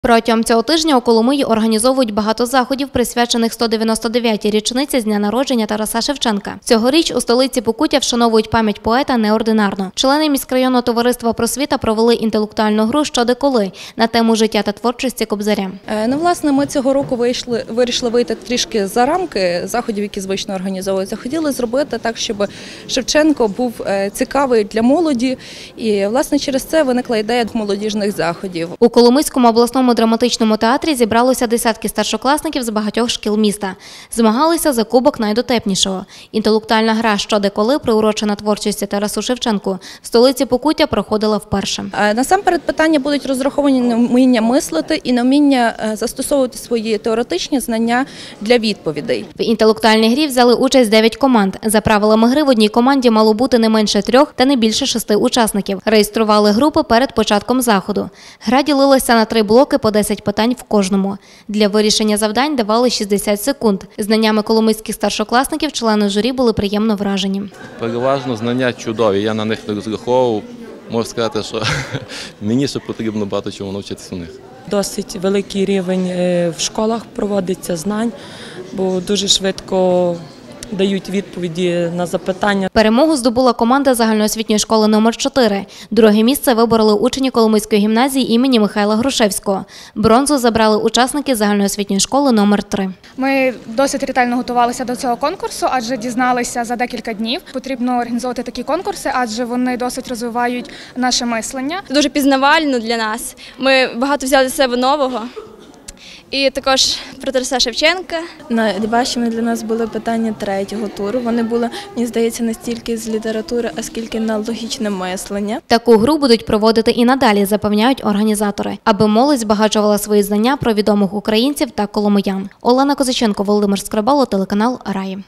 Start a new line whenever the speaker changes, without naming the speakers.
Протягом цього тижня у Коломиї організовують багато заходів, присвячених 199-й річниці з дня народження Тараса Шевченка. Цьогоріч у столиці Покуття вшановують пам'ять поета неординарно. Члени міськрайонного товариства «Просвіта» провели інтелектуальну гру «Що де коли» на тему життя та творчості Кобзаря.
Власне, ми цього року вирішили вийти трішки за рамки заходів, які звично організовуються. Хотіли зробити так, щоб Шевченко був цікавий для молоді. І, власне, через це виникла ідея молодіжних заходів.
У Коломийському обласному драматичному театрі зібралося десятки старшокласників з багатьох шкіл міста. Змагалися за кубок найдотепнішого. Інтелектуальна гра «Що де коли», приурочена творчості Тарасу Шевченку, в столиці Покуття проходила вперше.
Насамперед питання будуть розраховані на вміння мислити і на вміння застосовувати свої теоретичні знання для відповідей.
В інтелектуальній грі взяли участь 9 команд. За правилами гри в одній команді мало бути не менше 3 та не більше 6 учасників. Реєстрували групи перед початком заходу. Гра ділилася на 3 блоки по 10 питань в кожному. Для вирішення завдань давали 60 секунд. Знаннями коломийських старшокласників члени журі були приємно вражені.
Переважно знання чудові, я на них не розраховував. Можу сказати, що мені ще потрібно багато чому навчитися у них.
Досить великий рівень в школах проводиться знань, бо дуже швидко дають відповіді на запитання.
Перемогу здобула команда загальноосвітньої школи номер 4. Друге місце вибороли учні Коломийської гімназії імені Михайла Грушевського. Бронзу забрали учасники загальноосвітньої школи номер 3.
Ми досить ретельно готувалися до цього конкурсу, адже дізналися за декілька днів. Потрібно організовувати такі конкурси, адже вони досить розвивають наше мислення.
Дуже пізнавально для нас. Ми багато взяли з себе нового. І також про Тараса Шевченка.
Найважчими для нас були питання третього туру. Вони були, мені здається, не стільки з літератури, а скільки на логічне мислення.
Таку гру будуть проводити і надалі, запевняють організатори, аби молодь збагачувала свої знання про відомих українців та коломиян. Олена Козаченко, Володимир Скрибало, телеканал «Раї».